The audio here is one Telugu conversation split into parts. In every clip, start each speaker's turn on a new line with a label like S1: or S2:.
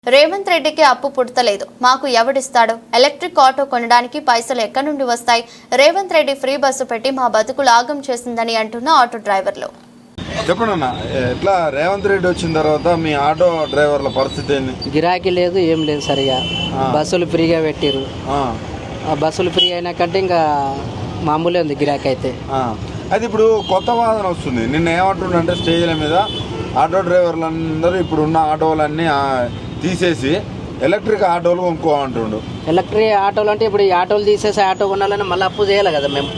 S1: రేవంత్ రెడ్డికి అప్పు పుడతలేదు, మాకు ఎవడిస్తాడు? ఎలక్ట్రిక్ ఆటో కొనడానికి పైసలు ఎక్కడి నుండి వస్తాయి? రేవంత్ రెడ్డి ఫ్రీ బస్సు పెట్టి మా బతుకులు ఆగం చేసిందని అంటున్న ఆటో డ్రైవర్లు.
S2: చెప్పండి, ఎట్లా రేవంత్ రెడ్డి వచ్చిన తర్వాత మీ ఆటో డ్రైవర్ల పరిస్థితి ఏంది?
S3: గిరాకీ లేదు, ఏం లేదు. సరిగా బస్సులు ఫ్రీగా పెట్టిరు. బస్సులు ఫ్రీ అయినాకంటే ఇంకా మామూలే ఉంది గిరాకీ అయితే.
S2: అది ఇప్పుడు కొత్త వాదన వస్తుంది. నిన్న ఏమంటుండే స్టేజ్ల మీద ఆటో డ్రైవర్లందరూ ఇప్పుడు ఉన్న ఆటోలన్నీ తీసేసి ఎలక్ట్రిక్ ఆటోలు కొనుక్కో అంటుండు.
S3: ఎలక్ట్రిక్ ఆటోలు అంటే ఇప్పుడు ఈ ఆటోలు తీసేసి ఆటో కొనాలని మళ్ళీ అప్పు చేయాలి కదా మేము.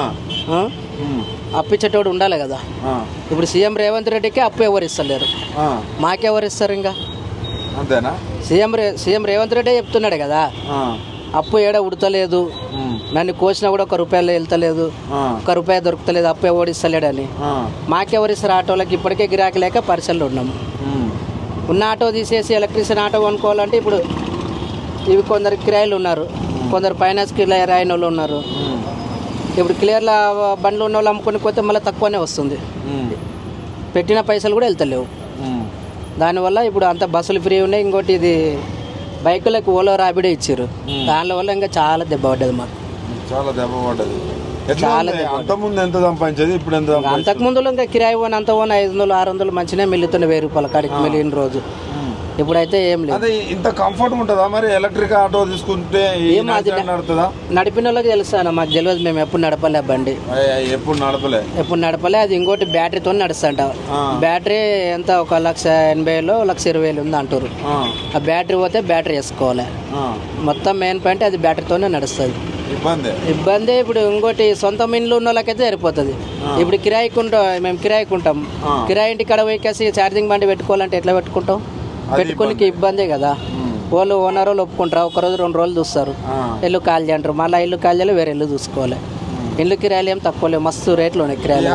S3: అప్పు ఇచ్చేటోడు ఉండాలి కదా. ఇప్పుడు సీఎం రేవంత్ రెడ్డికి అప్పు ఎవరు ఇస్తలేరు, మాకెవరు ఇస్తారు? ఇంకా
S2: అంతేనా?
S3: సీఎం రేవంత్ రెడ్డి చెప్తున్నాడు కదా, అప్పు ఏడ ఉడతలేదు, నన్ను కోసినా కూడా ₹1 వెళ్తలేదు, ₹1 దొరుకుతలేదు, అప్పు ఎవరు ఇస్తలేడని. మాకెవరు ఇస్తారు? ఆటోలకి ఇప్పటికే గిరాకీ లేక పరిచయలు ఉన్నాము. ఉన్న ఆటో తీసేసి ఎలక్ట్రిసిటీ ఆటో కొనుక్కోవాలంటే ఇప్పుడు ఇవి కొందరు కిరాయిలు ఉన్నారు, కొందరు ఫైనాన్స్ కిరాయి రాయిన వాళ్ళు ఉన్నారు. ఇప్పుడు క్లియర్ల బండ్లు ఉన్న వాళ్ళు అమ్ముకొని పోతే మళ్ళీ తక్కువనే వస్తుంది, పెట్టిన పైసలు కూడా వెళ్తలేవు. దానివల్ల ఇప్పుడు అంత బస్సులు ఫ్రీ ఉన్నాయి. ఇంకోటి ఇది బైకులకు ఓలో రాబిడే ఇచ్చారు, దాని వల్ల ఇంకా చాలా దెబ్బ పడ్డది మాకు.
S2: చాలా దెబ్బ పడ్డది. అంతకుముందు ఎంత సంపాదించేది, ఇప్పుడు ఎంత?
S3: అంతకుముందులో ఇంకా కిరాయి పోని అంత పోని 500-600 మంచిగా మిల్లుతుండే, ₹1000 కాడికి మిల్లిన రోజు. ఇప్పుడైతే ఏం లేదు.
S2: ఇంత కంఫర్ట్ ఉంటుందా మరి ఎలక్ట్రిక్ ఆటో తీసుకుంటే?
S3: నడిపిన వాళ్ళకి తెలుస్తాను, మాకు తెలియదు. మేము ఎప్పుడు నడపలే బండి, ఎప్పుడు నడపలే. అది ఇంకోటి బ్యాటరీతో నడుస్తాంట. బ్యాటరీ ఎంత ఒక 1,80,000 1,20,000 ఉంది అంటారు. ఆ బ్యాటరీ పోతే బ్యాటరీ వేసుకోవాలి. మొత్తం మెయిన్ పాయింట్ అది బ్యాటరీతోనే నడుస్తుంది. ఇబ్బంది. ఇప్పుడు ఇంకోటి సొంత ఇండ్లు ఉన్న వాళ్ళకైతే సరిపోతుంది. ఇప్పుడు మేము కిరాయికుంటాం, కిరాయి ఇంటి కాడ పోయికేసి ఛార్జింగ్ బండి పెట్టుకోవాలంటే ఎట్లా పెట్టుకుంటాం? పెట్టుకోనికి ఇబ్బందే కదా. వాళ్ళు ఓనర్ వాళ్ళు ఒప్పుకుంటారు, 1 రోజు 2 రోజులు చూస్తారు, ఇల్లు ఖాళీ అంటారు. మళ్ళీ ఇల్లు ఖాళీ చేయాలి, వేరే ఇల్లు చూసుకోవాలి. ఇల్లు కిరాయిలు ఏం తక్కువ లేవు, మస్తు రేట్లు ఉన్నాయి కిరాయిలు.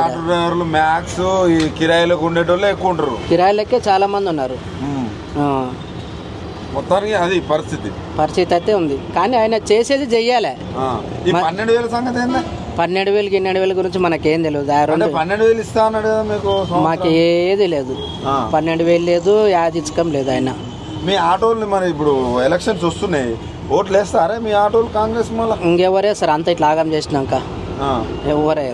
S3: కిరాయిలకే చాలా మంది ఉన్నారు.
S2: మొత్తానికి అది
S3: పరిస్థితి అయితే ఉంది. కానీ ఆయన చేసేది చెయ్యాలి.
S2: 12,000 సంగతి ఏందా?
S3: 12,000 12,000 గురించి మనకేం తెలియదు.
S2: 12,000 ఇస్తా అన్నాడు కదా మీకు.
S3: మాకు ఏది లేదు, 12,000 లేదు, యాదించకం లేదు ఆయన.
S2: మీ ఆటోలు మరి ఇప్పుడు ఎలక్షన్స్ వస్తున్నాయి, ఓట్లు వేస్తారా మీ ఆటోలు కాంగ్రెస్? మళ్ళీ
S3: ఇంకెవరే సార్ అంత ఇట్లా ఆగం చేసినాక ఎవరే